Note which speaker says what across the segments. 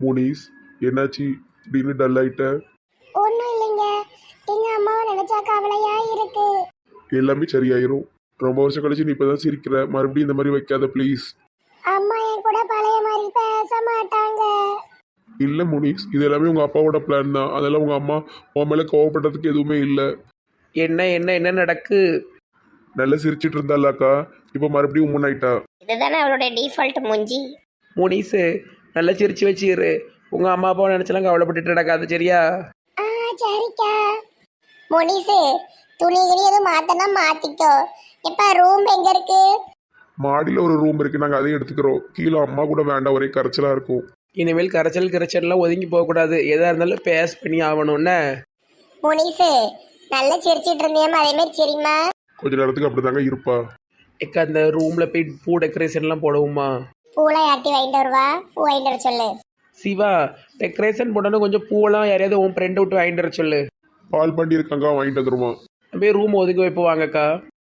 Speaker 1: முனிஸ், என்னாச்சு திடீர்னு டல் ஆயிட்ட?
Speaker 2: ஒன்றும் இல்லைங்க. எங்க அம்மாவை நினைச்சா கவலையா இருக்கு.
Speaker 1: எல்லாமே சரியாயிரும். ரொம்ப வருஷம் கழிச்சு நீ இப்பதான் சிரிக்கிற. மறுபடியும் இந்த மாதிரி வைக்காத ப்ளீஸ்.
Speaker 2: அம்மா என் கூட பழைய மாதிரி பேச மாட்டாங்க.
Speaker 1: இல்லை முனிஸ், இது எல்லாமே உங்கள் அப்பாவோட பிளான் தான். அதெல்லாம் உங்கள் அம்மா உன் மேலே கோவப்படுறதுக்கு எதுவுமே இல்லை.
Speaker 3: என்ன என்ன என்ன நடக்கு?
Speaker 1: நல்லா சிரிச்சிட்டு இருந்தாலாக்கா, இப்போ மறுபடியும் முன்னாயிட்டா.
Speaker 2: இதுதானே அவளுடைய டிஃபால்ட் மூஞ்சி.
Speaker 3: முனிசு, நல்லா சிரிச்சு வச்சிரு. உங்கள் அம்மா அப்பாவை நினச்சலாம் கவலைப்பட்டுட்டு நடக்காது, சரியா?
Speaker 2: ஆ சரிக்கா. முனிசு, துணி கிணி எதுவும் மாத்தனா மாத்திக்கோ. இப்ப ரூம் எங்க இருக்கு?
Speaker 1: மாடியில் ஒரு ரூம் இருக்குது, நாங்கள் அதையும் எடுத்துக்கிறோம். கீழே அம்மா கூட வேண்டாம், ஒரே கரைச்சலாக இருக்கும்.
Speaker 3: இனிமேல் கரைச்சல்லாம் ஒதுங்கி போகக்கூடாது. எதாக இருந்தாலும் பேஸ் பண்ணி ஆகணும்னு.
Speaker 2: முனிசு, நல்லா சிரிச்சிட்டு இருந்தியம்மா, அதே மாதிரி சரிம்மா.
Speaker 1: கொஞ்ச நேரத்துக்கு அப்படி தாங்க இருப்பா.
Speaker 3: எக்க அந்த ரூமில் போய் பூ டெக்கரேஷன்லாம் போடுவோமா?
Speaker 2: பூலாம் யாட்டி வாங்கிட்டு வருவா, பூ வாங்கிட்டு வர சொல்லு.
Speaker 3: சிவா, டெக்கரேஷன் போடணும், கொஞ்சம் பூவெல்லாம் யாரையாவது உன் ஃப்ரெண்டை விட்டு வாங்கிட்டு வர சொல்லு.
Speaker 1: பால் பண்ணி இருக்காங்க, வாங்கிட்டு வந்துருமா.
Speaker 3: அப்படியே ரூம் ஒதுக்கி வைப்போம் வாங்கக்கா.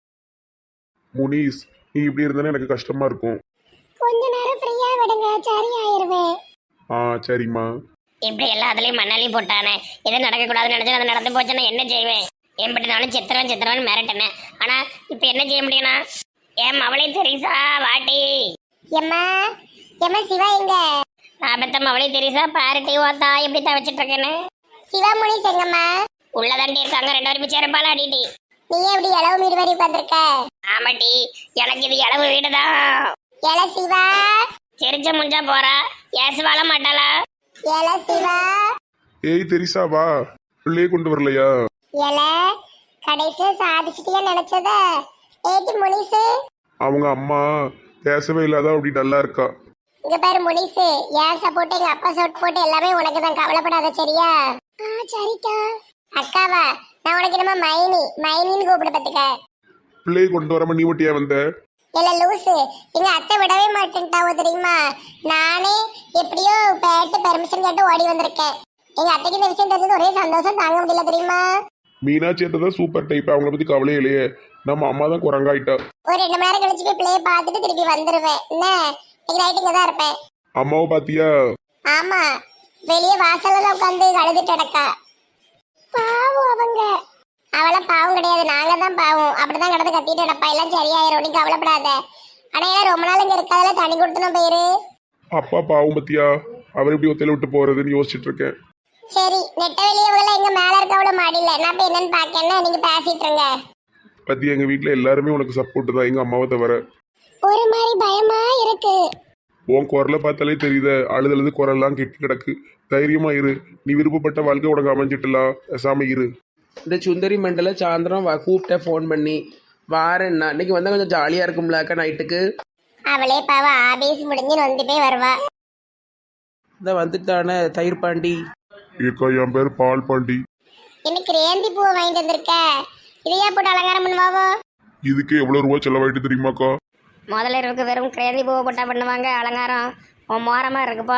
Speaker 1: முனிஸ், நீ இப்படி இருந்தானே எனக்கு கஷ்டமா இருக்கும்.
Speaker 2: கொஞ்ச நேரம் ஃப்ரீயா விடுங்க, சரி ஆயிருவேன்.
Speaker 1: ஆ சரிம்மா.
Speaker 2: இப்படி எல்லாத்துலயும் மண்ணாலையும் போட்டானே, எது நடக்கக்கூடாதுன்னு நினைச்சா அது நடந்து போச்சுன்னா என்ன செய்வேன்? என்கிட்ட நானும் சித்திரவன் மிரட்டினேன். ஆனா இப்ப என்ன செய்ய முடியும்னா, ஏன் அவளே தெரிசா வாட்டி. எம்மா எம்மா, சிவா எங்க? ஆபத்தம் அவளே தெரிசா பாருட்டி ஓத்தா எப்படி தவச்சிட்டு இருக்கேன்னு. சிவா முனிஸ் எங்கம்மா? உள்ளதாண்டி இருக்காங்க, ரெண்டு பேரும் சேரப்பால அடிட்டி. நீ எப்படி இளவு மீறி வரி உட்காந்துருக்க? ஆமாட்டி, எனக்கு இது இளவு வீடுதான். எல சிவா, சிரிச்ச முஞ்சா போறா, ஏசு வாழ மாட்டாளா? எல சிவா.
Speaker 1: ஏய் தெரிசா, வா. பிள்ளையே கொண்டு வரலையா?
Speaker 2: எல கடைசியா சாதிச்சிட்டியா நினைச்சத? ஏடி முனிசு,
Speaker 1: அவங்க அம்மா பேசவே இல்லாத அப்படி நல்லா இருக்கா.
Speaker 2: இங்க பாரு முனிசு, ஏன் சப்போர்ட் எங்க அப்பா சப்போர்ட் போட்டு எல்லாமே உனக்கு தான், கவலைப்படாத சரியா? சரிக்கா. அக்காவா, நான் உனக்கு என்னமா மைனின்னு கூப்பிட பத்துக்க.
Speaker 1: பிள்ளையை கொண்டு வராம நீ மட்டும் ஏன் வந்த?
Speaker 2: இல்ல லூசு, எங்க அத்தை விடவே மாட்டேன்ட்டாவோ தெரியுமா? நானே எப்படியோ பேட்டு பெர்மிஷன் கேட்டு ஓடி வந்திருக்கேன். எங்க அத்தைக்கு இந்த விஷயம் தெரிஞ்சது ஒரே சந்தோஷம் தாங்க முடியல தெரியுமா?
Speaker 1: மீனாட்சி தான் சூப்பர் டைப், அவங்கள பத்தி கவலையே இல்லையே. நம்ம அம்மா தான் குரங்காயிட்டா.
Speaker 2: ஒரு 2 மணி நேரம் கழிச்சு போய் பிள்ளைய பார்த்துட்டு திருப்பி வந்துருவேன். என்ன, இன்னைக்கு நைட்டு இங்க தான் இருப்பேன்.
Speaker 1: அம்மாவை பாத்தியா?
Speaker 2: ஆமா, வெளியே வாசல்ல தான் உட்காந்து அழுதுட்டு கிடக்கா. பாவம் அவங்க. அவள பாவம் கிடையாது, நாங்க தான் பாவம். அப்படிதான் கிடந்து கத்திட்டு கிடப்பா. எல்லாம் சரியாயிரும், நீ கவலைப்படாத. ஆனா ஏன்னா ரொம்ப நாள் இங்க இருக்காதுல, தனி கொடுத்துன போயிரு.
Speaker 1: அப்பா பாவம் பத்தியா, அவர் எப்படி ஒத்தையில விட்டு போறதுன்னு யோசிச்சுட்டு இருக்கேன்.
Speaker 2: சரி, நெட்ட வெளியே இவங்க எங்க மேல இருக்க அவ்வளவு மாடியில, நான் போய் என்னன்னு பாக்கேன்னா நீங்க பேசிட்டு இருங்க.
Speaker 1: பத்தி எங்க வீட்டுல எல்லாருமே உனக்கு சப்போர்ட் தான், எங்க அம்மாவை தவிர.
Speaker 2: ஒரு மாதிரி பயமா இருக்கு.
Speaker 1: உன் குரலை பார்த்தாலே தெரியுத, அழுது குரல்லாம் கெட்டு கிடக்கு. தைரியமா இரு, நீ விருப்பப்பட்ட வாழ்க்கை உனக்கு அமைஞ்சிட்டலாம். பேசாம இரு.
Speaker 3: இந்த சுந்தரி மண்டல சாயந்தரம் கூப்பிட்டேன் ஃபோன் பண்ணி. வாரேன்னா இன்னைக்கு வந்தால் கொஞ்சம் ஜாலியாக இருக்கும்ல அக்கா நைட்டுக்கு.
Speaker 2: அவளே பாவ ஆபீஸ் முடிஞ்சு நொந்து போய் வருவா.
Speaker 3: இந்த வந்துட்டானே தயிர் பாண்டி.
Speaker 1: ஏக்கா, என் பேர் பால் பாண்டி.
Speaker 2: எனக்கு ரேந்தி பூவை வாங்கிட்டு வந்திருக்க, இதையா போட்டு அலங்காரம் பண்ணுவாவோ?
Speaker 1: இதுக்கு எவ்வளவு ரூபா செலவாயிட்டு தெரியுமாக்கா?
Speaker 2: முதல்ல இருக்கு வெறும் கிரேந்தி பூவை போட்டா பண்ணுவாங்க அலங்காரம். உன் மோரமா இருக்குப்பா.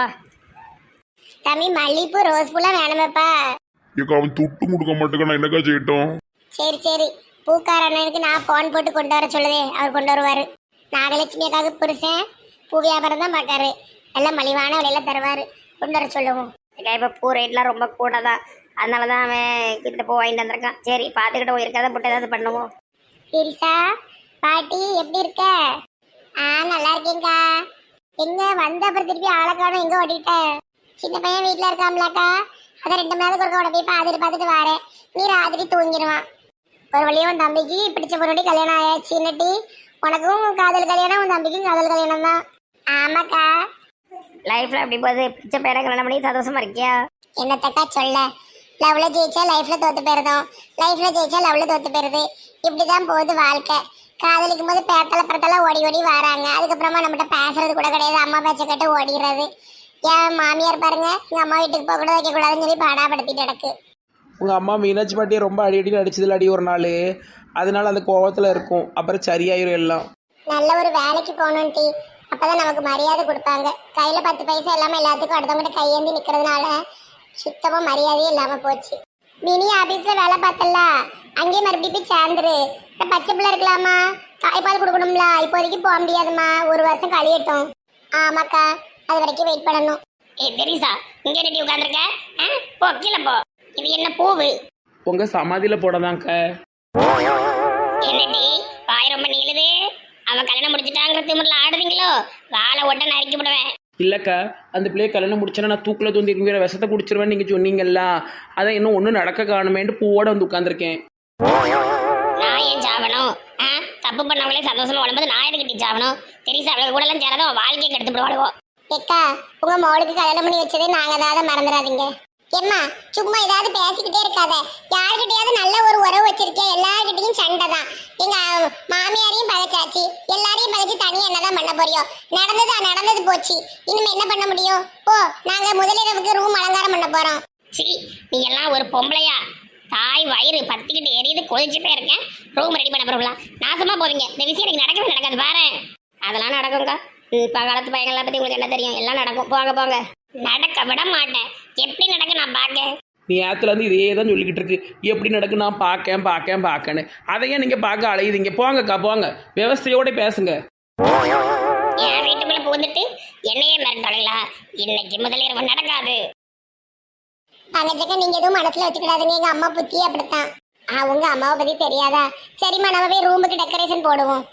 Speaker 2: தம்பி, மல்லிப்பூ ரோஸ் பூலாம் வேணுமேப்பா.
Speaker 1: ஏக்கா, அவன் துட்டு கொடுக்க மாட்டேங்க, நான் என்னக்கா செய்யட்டும்?
Speaker 2: சரி சரி, பூக்காரனுக்கு நான் போன் போட்டு கொண்டு வர சொல்லுதே, அவர் கொண்டு வருவாரு. நாகலட்சுமி அக்காவுக்கு புருஷன் பூ வியாபாரம் தான் பார்க்காரு, எல்லாம் மலிவான விலையில தருவாரு, கொண்டு வர சொல்லுவோம். இப்போ பூ ரேட்லாம் ரொம்ப கூட தான், அதனால தான் அவன் கிட்ட பூ வாங்கிட்டு வந்திருக்கான். சரி, பார்த்துக்கிட்ட இருக்கிறத போட்டு ஏதாவது பண்ணுவோம். சரிசா பாட்டி, எப்படி இருக்க? நல்லா இருக்கேங்க்கா. எங்க வந்த அப்புறம் திருப்பி ஆளை காணும், எங்க ஓடிட்டேன்? சின்ன பையன் வீட்டுல இருக்காம்லக்கா, அதை 2 மணி நேரத்துக்கு ஒருக்க உடனே பார்த்துட்டு வரேன். நீ ராத்திரி தூங்கிடுவான். ஒரு வழியும் உன் தம்பிக்கு பிடிச்ச பொருடி கல்யாணம் ஆயாச்சு. இன்னட்டி உனக்கும் காதல் கல்யாணம், உன் தம்பிக்கும் காதல் கல்யாணம் தான். ஆமாக்கா. லைஃப்ல அப்படி போகுது, பிடிச்ச பேரை கல்யாணம் பண்ணி சந்தோஷமா இருக்கியா? என்னத்தக்கா சொல்ல, லவ்ல ஜெயிச்சா லைஃப்ல தோத்து போயிருந்தோம், லைஃப்ல ஜெயிச்சா லவ்ல தோத்து போயிருது. இப்படிதான் போகுது வாழ்க்கை. காதலிக்கும் போது பேத்தல ஓடி ஓடி வராங்க, அதுக்கப்புறமா நம்மகிட்ட பேசுறது கூட கிடையாது, அம்மா பேச்ச கேட்டு ஓடிடுறது. என் மாமியார் பாருங்க, எங்க அம்மா வீட்டுக்கு போக கூட வைக்க கூடாதுன்னு சொல்லி பாடாப்படுத்திட்டு கிடக்கு.
Speaker 3: உங்கள் அம்மா மீனாட்சி பாட்டியை ரொம்ப அடி அடிச்சதில் அடி ஒரு நாள், அதனால அந்த கோவத்தில் இருக்கும். அப்புறம் சரியாயிரும் எல்லாம்.
Speaker 2: நல்ல ஒரு வேலைக்கு போகணும் டி, அப்பதான் நமக்கு மரியாதை கொடுப்பாங்க. கையில 10 பைசா இல்லாம எல்லாத்துக்கும் அடுத்தவங்கிட்ட கையேந்தி நிக்கிறதுனால சுத்தமா மரியாதையே இல்லாம போச்சு. மினி ஆபீஸ்ல வேலை பார்த்தல, அங்கேயே மறுபடியும் போய் சேர்ந்துரு. பச்சை பிள்ளை இருக்கலாமா, தாய்ப்பால் கொடுக்கணும்ல, இப்போதைக்கு போக முடியாதுமா, 1 வருஷம் கழியட்டும். ஆமாக்கா, அது வரைக்கும் வெயிட் பண்ணணும். ஏய் தெரியுசா இங்க ரெடி உட்காந்துருக்க போ கீழே போ. இது என்ன பூவு?
Speaker 3: உங்கள் சமாதியில் போடதாங்க.
Speaker 2: என்னடி வாய் ரொம்ப நீளுது? அவன் கல்யாணம் முடிச்சுட்டாங்கிற திமிரில் ஆடுறீங்களோ? வாழை ஒட்ட நறுக்கி விடுவேன்.
Speaker 3: இல்லைக்கா, அந்த பிள்ளையை கல்யாணம் முடிச்சேன்னா நான் தூக்கில் தூந்தி வேற விஷத்தை குடிச்சிருவேன் நீங்கள் சொன்னீங்கல்ல, அதான் இன்னும் ஒன்றும் நடக்க காணுமேன்ட்டு பூவோட வந்து உட்காந்துருக்கேன்.
Speaker 2: நான் ஏன் சாவணும்? தப்பு பண்ணவங்களே சந்தோஷமா உடம்பு நான் எதுக்கிட்டி சாவணும்? தெரியுசா அவளுக்கு கூட எல்லாம் சேரதான் அவன் வாழ்க்கையை கெடுத்து விடுவாளுவோ. ஏக்கா உங்க மோளுக்கு கல்யாணம் பண்ணி வச்சதே நாங்க தான் மறந்துடாதீங்க. ஏம்மா சும்மா ஏதாவது பேசிக்கிட்டே இருக்காத. யாருக்கிட்டையாவது நல்ல ஒரு உறவு வச்சிருக்கேன், எல்லார்கிட்டையும் சண்டை தான். எங்க மாமியாரையும் பகைச்சாச்சு, எல்லாரையும் பகைச்சு தனியா என்னதான் பண்ண போறியோ? நடந்தது போச்சு, இனிமே என்ன பண்ண முடியும்? ஓ நாங்க முதலிரவுக்கு ரூம் அலங்காரம் பண்ண போறோம். சி நீ எல்லாம் ஒரு பொம்பளையா? தாய் வயிறு பத்திக்கிட்டு எரியுது, கொதிச்சுட்டே இருக்கேன். ரூம் ரெடி பண்ண போறோம்ல, நாசமா போவீங்க. இந்த விஷயம் எனக்கு நடக்கவே நடக்காது பாரு. அதெல்லாம் நடக்கும்க்கா. இப்போ காலத்து பையங்கள்லாம் பத்தி உங்களுக்கு என்ன தெரியும்? எல்லாம் நடக்கும். போங்க போங்க. நடக்க விட மாட்டேன். எப்படி நடக்க நான் பார்க்க.
Speaker 3: நீ ஏத்துலேருந்து இதே தான் சொல்லிக்கிட்டு இருக்கு, எப்படி நடக்கு நான் பார்க்கேன்னு. அதையே நீங்கள் பார்க்க அலையுதீங்க. போங்கக்கா போங்க, விவசாயோட பேசுங்க.
Speaker 2: என் வீட்டுக்குள்ள புகுந்துட்டு என்னையே மிரட்டாளீங்களா? இன்னைக்கு முதலிரவு நடக்காது. தங்கச்சக்க நீங்க எதுவும் மனசுல வச்சுக்கிடாதுங்க, எங்க அம்மா புத்தி அப்படித்தான். உங்க அம்மாவை பத்தி தெரியாதா? சரிம்மா நம்ம போய் ரூமுக்கு டெக்கரேஷன் போடுவோம்.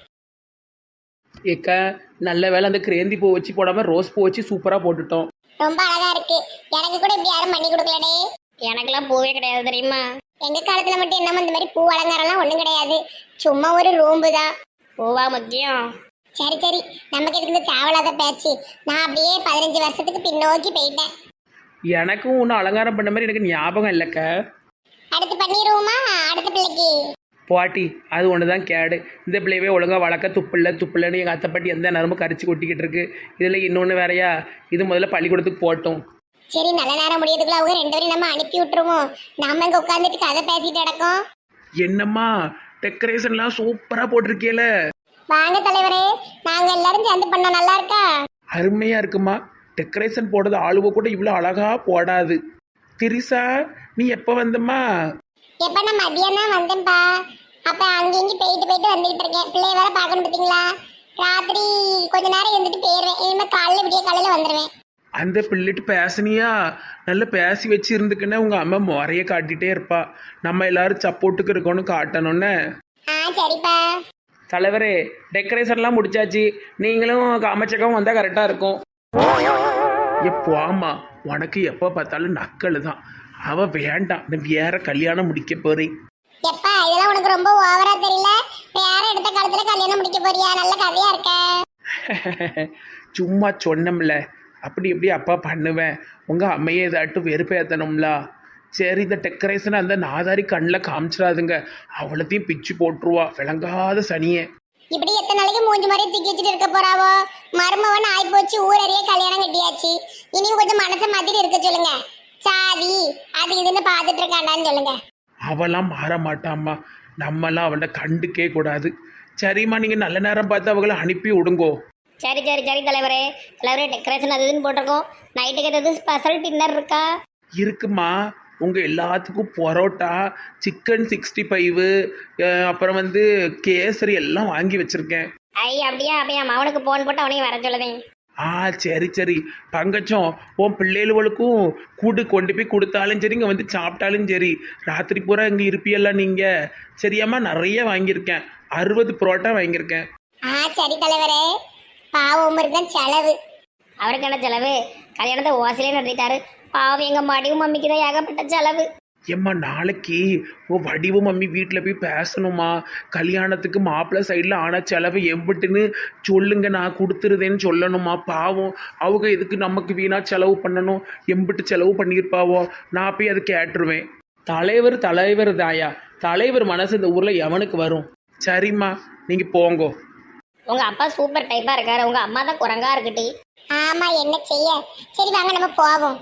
Speaker 3: ஏக்கா நல்ல வேலை அந்த கிரேந்தி பூ வச்சு போடாமல் ரோஸ் பூ வச்சு சூப்பராக போட்டுட்டோம்.
Speaker 2: ரொம்ப அழகா இருக்கு. எனக்கு கூட இப்படி யாரும் பண்ணி கொடுக்கலடே. எனக்கெல்லாம் பூவே கிடையாது தெரியுமா? எங்க காலத்துல மட்டும் என்னமோ இந்த மாதிரி பூ அலங்காரம்லாம் ஒண்ணும் கிடையாது. சும்மா ஒரு ரூம்பு தான். பூவா முக்கியம். சரி சரி, நமக்கு எதுக்கு இந்த தேவையில்லாத பேச்சு? நான் அப்படியே 15 வருஷத்துக்கு பின்னோக்கி போயிட்டேன்.
Speaker 3: எனக்கும் ஒன்றும் அலங்காரம் பண்ண மாதிரி எனக்கு ஞாபகம் இல்லைக்கா.
Speaker 2: அடுத்து பண்ணிடுவோமா? அடுத்த பிள்ளைக்கு
Speaker 3: பாட்டி அது ஒன்று தான் கேடு. இந்த பிள்ளையவே ஒழுங்காக வளர்க்க துப்பில்லைன்னு எங்கள் அத்தைப்பாட்டி எந்த நேரமும் கரிச்சு கொட்டிக்கிட்டு இருக்கு. இதில் இன்னொன்று வேறையா, இது முதல்ல பள்ளிக்கூடத்துக்கு போட்டோம்.
Speaker 2: சரி நல்ல நேரம் முடியதுக்குள்ள அவங்க 2 பேரும் நம்ம அனுப்பி விட்டுருவோம். நம்ம இங்கே உட்காந்துட்டு கதை பேசிட்டு கிடக்கோம்.
Speaker 3: என்னம்மா டெக்கரேஷன்லாம் சூப்பராக போட்டிருக்கேல.
Speaker 2: வாங்க தலைவரே, நாங்க எல்லாரும் சேர்ந்து பண்ணோம். நல்லா இருக்கா?
Speaker 3: அருமையாக இருக்குமா. டெக்கரேஷன் போடுறது ஆளுவ கூட இவ்வளோ அழகாக போடாது. திரிசா நீ எப்போ வந்தம்மா?
Speaker 2: எப்ப நான் மதியம் வந்தேன்ப்பா. அப்ப அங்கேயும் போயிட்டு வந்துட்டு இருக்கேன். பிள்ளைய வேற பார்க்கணும் பார்த்தீங்களா? ராத்திரி கொஞ்ச நேரம் இருந்துட்டு போயிடுவேன். இனிமே காலையில வந்துடுவேன்.
Speaker 3: அந்த பிள்ளைட்டு பேசினியா? நல்லா பேசி வச்சு இருந்துக்குன்னா உங்கள் அம்மா முறைய காட்டிகிட்டே இருப்பா. நம்ம எல்லாரும் சப்போர்ட்டுக்கு இருக்கோன்னு காட்டணுன்னு.
Speaker 2: சரிப்பா.
Speaker 3: தலைவரே டெக்கரேஷன்லாம் முடிச்சாச்சு, நீங்களும் அமைச்சகம் வந்தால் கரெக்டாக இருக்கும். எப்போ ஆமா, உனக்கு எப்போ பார்த்தாலும் நக்கல் தான். அவ வேண்டாம், நான் வேற கல்யாணம் முடிக்க போறேன்.
Speaker 2: எப்பா இதெல்லாம் உனக்கு ரொம்ப ஓவரா தெரியல? வேற எடுத்த காலத்துல கல்யாணம் முடிக்க போறியா? நல்ல கதையா இருக்க.
Speaker 3: சும்மா சொன்னோம்ல, அப்படி இப்படி அப்பா பண்ணுவேன். உங்கள் அம்மையை ஏதாட்டும் வெறுப்பேற்றணும்ல. சரி இந்த டெக்கரேஷனை அந்த நாதாரி கண்ணில் காமிச்சிடாதுங்க, அவ்வளோத்தையும் பிச்சு போட்டுருவா விளங்காத சனியே.
Speaker 2: இப்படி எத்தனை நாளைக்கு மூஞ்சி மாதிரி தூக்கி வச்சுட்டு இருக்க போறாவோ? மருமவன் ஆகி போச்சு, ஊரறிய கல்யாணம் கட்டியாச்சு. இனியும் கொஞ்சம் மனசை மாத்திட்டு இருக்க சொல்லுங்க. சாதி அது இதுன்னு பார்த்துட்டு இருக்காண்டான்னு சொல்லுங்க.
Speaker 3: அவெல்லாம் மாற மாட்டாம்மா, நம்மலாம் அவளை கண்டுக்கே கூடாது. சரிம்மா, நீங்கள் நல்ல நேரம் பார்த்து அவங்கள அனுப்பி விடுங்கோ.
Speaker 2: சரி தலைவரே. டெக்கரேஷன் அது இதுன்னு போட்டிருக்கோம். நைட்டுக்கு ஏதாவது ஸ்பெஷல் டின்னர் இருக்கா?
Speaker 3: இருக்குமா, உங்கள் எல்லாத்துக்கும் பரோட்டா, சிக்கன் 65, அப்புறம் கேசரி எல்லாம் வாங்கி வச்சுருக்கேன்.
Speaker 2: அப்படியா? அப்படியா? அவனுக்கு போன் போட்டு அவனையும் வர சொல்லுதேன்.
Speaker 3: சரி பங்கச்சம், உன் பிள்ளைகளுக்கும் கூடு கொண்டு போய் கொடுத்தாலும் சரி, இங்கே சாப்பிட்டாலும் சரி, ராத்திரி பூரா இங்கே இருப்பியெல்லாம் நீங்கள். சரியாம்மா, நிறைய வாங்கியிருக்கேன், 60 பரோட்டா வாங்கியிருக்கேன்.
Speaker 2: சரி தலைவரே. பாவம் தான் செலவு. அவருக்கு என்ன செலவு? கல்யாணத்தை ஓசிலே நடத்திட்டாரு. பாவம் எங்க மடிவும் மம்மிக்கு தான் ஏகப்பட்ட செலவு.
Speaker 3: ஏம்மா நாளைக்கு உன் வடிவும் மம்மி வீட்டில் போய் பேசணுமா? கல்யாணத்துக்கு மாப்பிள்ளை சைடில் ஆனால் செலவு எம்பிட்டுன்னு சொல்லுங்க, நான் கொடுத்துருதேன்னு சொல்லணுமா? பாவம் அவங்க எதுக்கு நமக்கு வீணாக செலவு பண்ணணும்? எம்பிட்டு செலவு பண்ணியிருப்பாவோ. நான் போய் அதை கேட்டுருவேன். தலைவர் தாயா, தலைவர் மனசு இந்த ஊரில் எவனுக்கு வரும்? சரிம்மா, நீங்கள் போங்கோ.
Speaker 2: உங்க அப்பா சூப்பர் டைப்பா இருக்காரு, உங்க அம்மா தான் குரங்கா இருக்குட்டி. ஆமா, என்ன செய்ய. சரி வாங்க நம்ம போவோம்.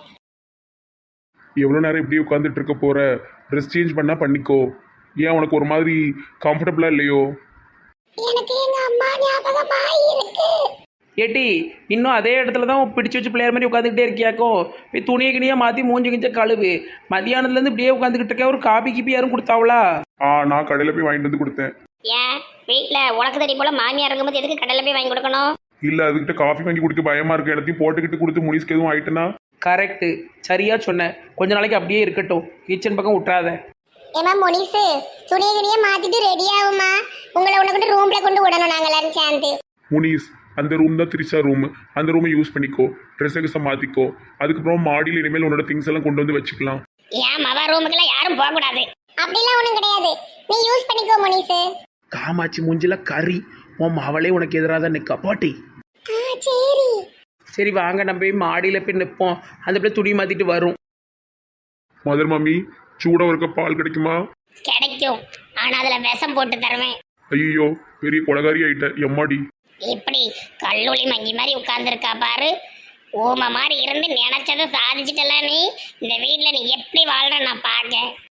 Speaker 1: எவ்வளோ நேரம் இப்படி உட்காந்துட்டு இருக்க போற? ட்ரெஸ் சேஞ்ச் பண்ணா பண்ணிக்கோ. ஏன் உனக்கு ஒரு மாதிரி கம்ஃபர்டபுளா இல்லையோ?
Speaker 2: எனக்கு எங்க அம்மா ஞாபகமா இருக்கு.
Speaker 3: ஏட்டி இன்னும் அதே இடத்துல தான் பிடிச்சி வச்சு பிள்ளையார் மாதிரி உட்காந்துக்கிட்டே இருக்கியாக்கோ? போய் துணியை கிணியாக மாற்றி மூஞ்சி கிஞ்ச கழுவு. மதியானத்துலேருந்து இப்படியே உட்காந்துக்கிட்டு இருக்க. ஒரு காபி கீப்பி யாரும் கொடுத்தாவளா?
Speaker 1: நான் கடையில் போய் வாங்கிட்டு வந்து கொடுத்தேன்.
Speaker 2: ஏன் வீட்டில் உனக்கு தடி போல மாமியார் இருக்கும்போது எதுக்கு கடையில் போய் வாங்கி கொடுக்கணும்?
Speaker 1: இல்லை, அதுக்கிட்ட காஃபி வாங்கி குடிக்க பயமா இருக்கு. எல்லாத்தையும் போட்டுக்கிட்டு கொடுத்து முடிச்சுக்கு எதுவும் ஆயிட்டுனா
Speaker 3: கரெக்டு, சரியா சொன்ன. கொஞ்ச நாளைக்கு அப்படியே இருக்கட்டும், கிச்சன் பக்கம் விட்றாத.
Speaker 2: ஏமா முனிசு, துணியை துணியை மாத்திட்டு ரெடி ஆகுமா? உங்களை உனக்கு ரூம்ல கொண்டு விடணும் நாங்க எல்லாரும் சேர்ந்து.
Speaker 1: முனிஸ், அந்த ரூம் தான் திரிஷா ரூம். அந்த ரூமை யூஸ் பண்ணிக்கோ, ட்ரெஸ்ஸை மாற்றிக்கோ. அதுக்கப்புறம் மாடியில் இனிமேல் உன்னோட திங்ஸ் எல்லாம் கொண்டு வந்து வச்சுக்கலாம்.
Speaker 2: ஏன் மவ ரூமுக்குலாம் யாரும் போக கூடாது. அப்படிலாம் ஒண்ணும் கிடையாது, நீ யூஸ் பண்ணிக்கோ முனிசு.
Speaker 3: காமாட்சி மூஞ்சில கறி, உன் அவளே உனக்கு எதிராக தான் நிற்கா போட்டி.
Speaker 2: சரி
Speaker 3: சரி வாங்க, நம்ம போய் மாடியில் போய் நிற்போம். அந்த பிள்ளை துணி மாற்றிட்டு வரும்.
Speaker 1: மதர் மம்மி, சூடாக இருக்க பால் கிடைக்குமா?
Speaker 2: கிடைக்கும், ஆனா அதுல விஷம் போட்டு தருவேன்.
Speaker 1: ஐயோ, பெரிய கொலகாரி ஆயிட்ட எம்மாடி.
Speaker 2: இப்படி கல்லூலி மங்கி மாதிரி உட்கார்ந்துருக்கா பாரு. ஊமை மாதிரி இருந்து நினைச்சதை சாதிச்சிட்டல நீ. இந்த வீட்டில் நீ எப்படி வாழ்ற நான் பார்க்க.